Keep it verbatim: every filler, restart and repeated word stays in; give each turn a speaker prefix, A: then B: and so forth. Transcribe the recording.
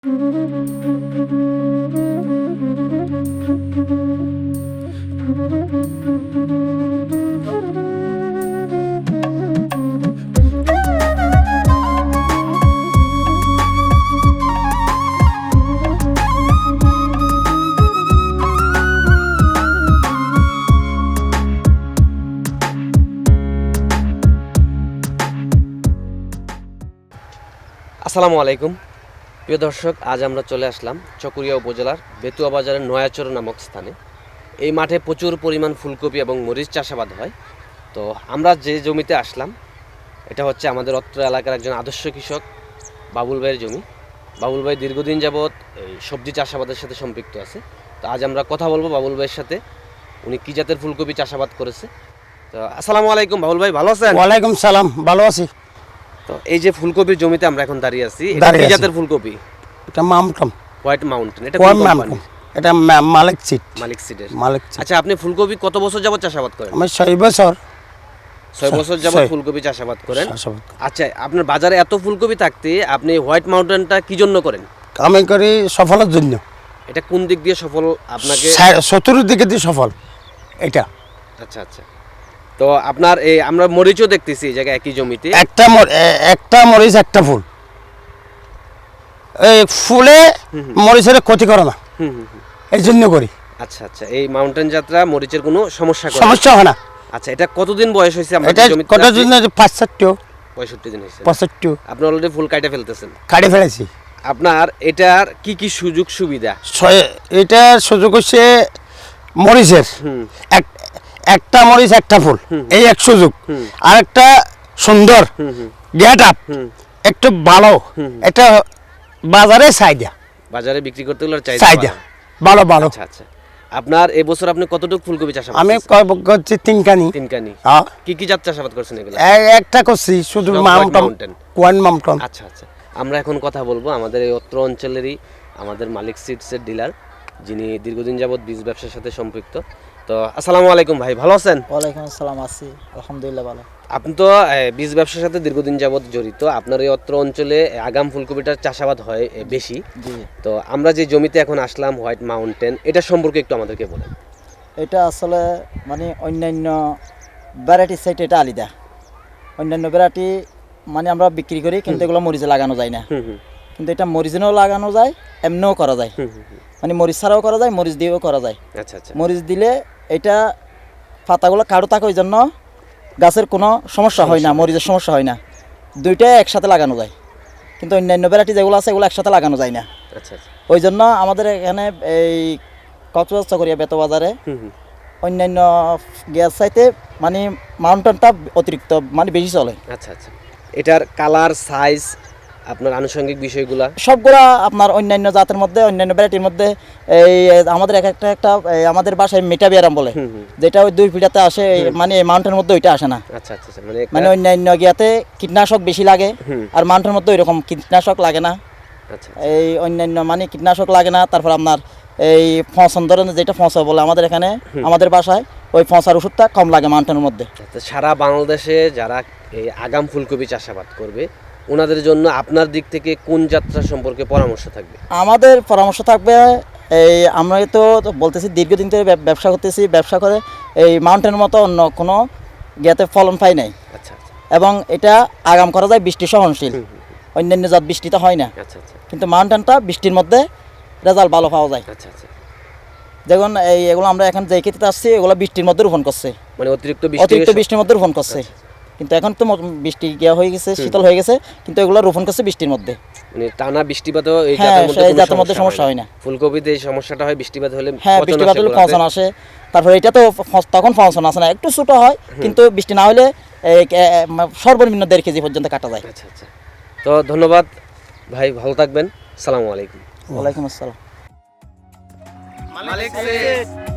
A: আসসালামু আলাইকুম প্রিয় দর্শক, আজ আমরা চলে আসলাম চকরিয়া উপজেলার বেতুয়া বাজারের নয়াচর নামক স্থানে। এই মাঠে প্রচুর পরিমাণ ফুলকপি এবং মরিচ চাষাবাদ হয়। তো আমরা যে জমিতে আসলাম এটা হচ্ছে আমাদের অত্র এলাকার একজন আদর্শ কৃষক বাবুল ভাইয়ের জমি। বাবুল ভাই দীর্ঘদিন যাবৎ এই সবজি চাষাবাদের সাথে সম্পৃক্ত আছে। তো আজ আমরা কথা বলবো বাবুল ভাইয়ের সাথে, উনি কী জাতের ফুলকপি চাষাবাদ করেছে। তো আসসালামু আলাইকুম বাবুল ভাই, ভালো আছেন?
B: ওয়ালাইকুম সালাম, ভালো আছি।
A: তো এই যে ফুলকপির জমিতে আমরা এখন দাঁড়িয়ে আছি, এটা
B: দাঁড়িয়ে
A: কি
B: আছি।
A: জাতের ফুলকপি?
B: এটা মামটম,
A: হোয়াইট মাউন্টেন। এটা
B: কোন
A: কোন
B: মামটম?
A: কোম্পানি?
B: এটা মা- মালিক সিট,
A: মালিক সিডের।
B: মালিক সিট।
A: আচ্ছা, আপনি ফুলকপি কত বছর যাবত চাষাবাদ করেন?
B: আমি ছয় বছর
A: ছয় বছর যাবত
B: ছয়।
A: ফুলকপি চাষাবাদ করেন।
B: চাষাবাদ করি।
A: আচ্ছা, আপনার বাজারে এত ফুলকপি থাকতে আপনি হোয়াইট মাউন্টেনটা কি জন্য করেন?
B: আমি করি সফলের জন্য,
A: এটা কোন দিক দিয়ে সফল আপনাকে?
B: চতুর্দিকে দিয়ে সফল এটা।
A: আচ্ছা আচ্ছা, তো আপনার এই আমরা মরিচও দেখতেছি এই জায়গায় একই জমিতে।
B: একটা মর- এ- একটা মরিচ একটা ফুল, এই ফুলে মরিচের ক্ষতি করে না,
A: হুম হুম হুম।
B: এই জন্য করি।
A: আচ্ছা আচ্ছা, এই মাউন্টেন যাত্রা মরিচের কোনো সমস্যা করে না?
B: সমস্যা হয় না।
A: আচ্ছা, এটা কতদিন বয়স হয়েছে
B: এটা
A: আপনার জমিতে?
B: কটার জন্য পাঁচ চারটে
A: পঁয়ষট্টি দিন হয়েছে।
B: পঁচাত্তর
A: আপনি অলরেডি ফুল কাটে ফেলতেছেন।
B: কাটে ফেলেছি।
A: আপনার এটার কি কি সুযোগ সুবিধা?
B: ছয় এটা সুযোগ হচ্ছে মরিচের
A: হুম
B: এক একটা মরিচ একটা ফুল, এই এক সুযোগ।
A: হুম।
B: আর একটা সুন্দর
A: হুম হুম
B: গেট আপ,
A: হুম।
B: একটু ভালো একটা বাজারে চাহিদা,
A: বাজারে বিক্রি করতে গেলে চাহিদা
B: চাহিদা
A: বাড়ে।
B: ভালো ভালো।
A: আচ্ছা আচ্ছা, আপনার এবছর আপনি কতটুকু ফুলকপি চাষাবাদ
B: আমি
A: করছেন?
B: কয়- করছি তিনকানি।
A: তিনকানি।
B: হ্যাঁ,
A: কি কি জাত চাষাবাদ করছেন এগুলো?
B: এ- একটা করছি শুধু
A: সব
B: মামটম,
A: White Mountain।
B: কোয়ান মামটম।
A: আচ্ছা আচ্ছা, আমরা এখন কথা বলবো আমাদের এই অত্র অঞ্চলেরই আমাদের মালিক সিডসের ডিলার, যিনি দীর্ঘদিন যাবৎ বীজ ব্যবসার সাথে সম্পৃক্ত। তো আসসালামু আলাইকুম ভাই, ভালো আছেন?
C: ওয়ালাইকুম আসসালাম, আছি আলহামদুলিল্লাহ ভালো।
A: আপনি তো এ, বীজ ব্যবসার সাথে দীর্ঘদিন যাবৎ জড়িত। আপনার এই অত্র অঞ্চলে এ, আগাম ফুলকপিটার চাষাবাদ হয় এ, বেশি।
C: জি,
A: তো আমরা যে জমিতে এখন আসলাম হোয়াইট মাউন্টেন, এটা সম্পর্কে একটু আমাদেরকে বলেন।
C: এটা আসলে মানে অন্যান্য ভ্যারাইটির সাইটে এটা আলাদা। অন্যান্য ভ্যারাইটি মানে আমরা বিক্রি করি, কিন্তু এগুলো মরিচে লাগানো যায় না।
A: হুম হুম
C: কিন্তু এটা মরিচেও লাগানো যায়, এমনিও করা যায়।
A: হুম হুম হুম।
C: মানে মরিচ ছাড়াও করা যায়, মরিচ দিয়েও করা যায়।
A: আচ্ছা আচ্ছা।
C: মরিচ দিলে এটা পাতাগুলো কারো থাকে, ওই জন্য গাছের কোনো সমস্যা হয় না, মরিচের সমস্যা হয় না। দুইটাই একসাথে লাগানো যায়। কিন্তু অন্যান্য ভ্যারাইটি যেগুলো আছে এগুলো একসাথে লাগানো যায় না।
A: আচ্ছা আচ্ছা।
C: ওই জন্য আমাদের এখানে এই কক্সবাজার চকরিয়া বেতো বাজারে
A: হুম হুম।
C: অন্যান্য গ্যাস চাইতে মানে মাউন্টেনটা অতিরিক্ত মানে বেশি চলে।
A: আচ্ছা আচ্ছা, এটার কালার সাইজ আপনার আনুষঙ্গিক বিষয়গুলা?
C: সবগুলা আপনার অন্যান্য জাতের মধ্যে, অন্যান্য ভ্যারাইটির মধ্যে এই আমাদের এক একটা একটা এই আমাদের বাসায় মেটাবিয়ারাম বলে,
A: হুম হুম।
C: যেটা ওই দুই ফিটাতে আসে, এই মানে এই মাউন্টেনের মধ্যে ওইটা আসে না।
A: আচ্ছা আচ্ছা আচ্ছা, মানে
C: মানে অন্যান্য গিয়াতে কীটনাশক বেশি লাগে,
A: হুম।
C: আর মাউন্টেনের মধ্যে ওইরকম কীটনাশক লাগে না।
A: আচ্ছা
C: এই অন্যান্য মানে কীটনাশক লাগে না। তারপর আপনার এই ফসন ধরনের যেটা ফসা বলে আমাদের এখানে, আমাদের বাসায় ওই ফসার ওষুধটা কম লাগে মাউন্টেনের মধ্যে।
A: আচ্ছা, সারা বাংলাদেশে যারা এই আগাম ফুলকপি চাষাবাদ করবে ওনাদের জন্য আপনার দিক থেকে কোন যাত্রা সম্পর্কে পরামর্শ থাকবে?
C: আমাদের পরামর্শ থাকবে, এই আমরা তো বলতেছি দীর্ঘদিন ধরে ব্যব- ব্যবসা করতেছি, ব্যবসা করে এই মাউন্টেনের মতো অন্য কোনো গিয়াতে ফলন পাই নাই।
A: আচ্ছা আচ্ছা।
C: এবং এটা আগাম করা যায় বৃষ্টি সহনশীল,
A: হুম, হুম,
C: অন্যান্য জাত বৃষ্টিতে হয় না।
A: আচ্ছা আচ্ছা
C: কিন্তু মাউন্টেনটা বৃষ্টির মধ্যে রেজাল্ট ভালো পাওয়া যায়।
A: আচ্ছা আচ্ছা,
C: যেমন এই এগুলো আমরা এখন যে ক্ষেত্রে আসছি এগুলো বৃষ্টির মধ্যে রোপণ করছে,
A: মানে অতিরিক্ত বৃষ্টি
C: অতিরিক্ত
A: হয়ে সব-
C: বৃষ্টির মধ্যে রোপণ করছে। কিন্তু এখন তো মো- বৃষ্টি গিয়া হয়ে গেছে, শীতল হয়ে গেছে, কিন্তু এগুলো রোপণ করছে বৃষ্টির মধ্যে।
A: মানে টানা বৃষ্টিপাতও এই
C: হ্যাঁ,
A: জাতের মধ্যে
C: সেই
A: কোনো
C: জাতের মধ্যে সমস্যা হয় না।
A: ফুলকপিতে এই সমস্যাটা হয় বৃষ্টিপাত হলে।
C: হ্যাঁ,
A: পচন
C: বৃষ্টিপাত
A: আসে
C: হলে
A: গোড়াতে।
C: ফসন আসে। তারপরে এটা তো ফ- তখন ফসন আসে না, একটু ছোট হয়, কিন্তু বৃষ্টি না হলে এই এ- এ- সর্বনিম্ন দেড় কেজি পর্যন্ত কাটা যায়।
A: আচ্ছা আচ্ছা, তো ধন্যবাদ ভাই, ভালো থাকবেন। সালামু আলাইকুম।
C: ওয়ালাইকুম আসসালাম।
A: মালিক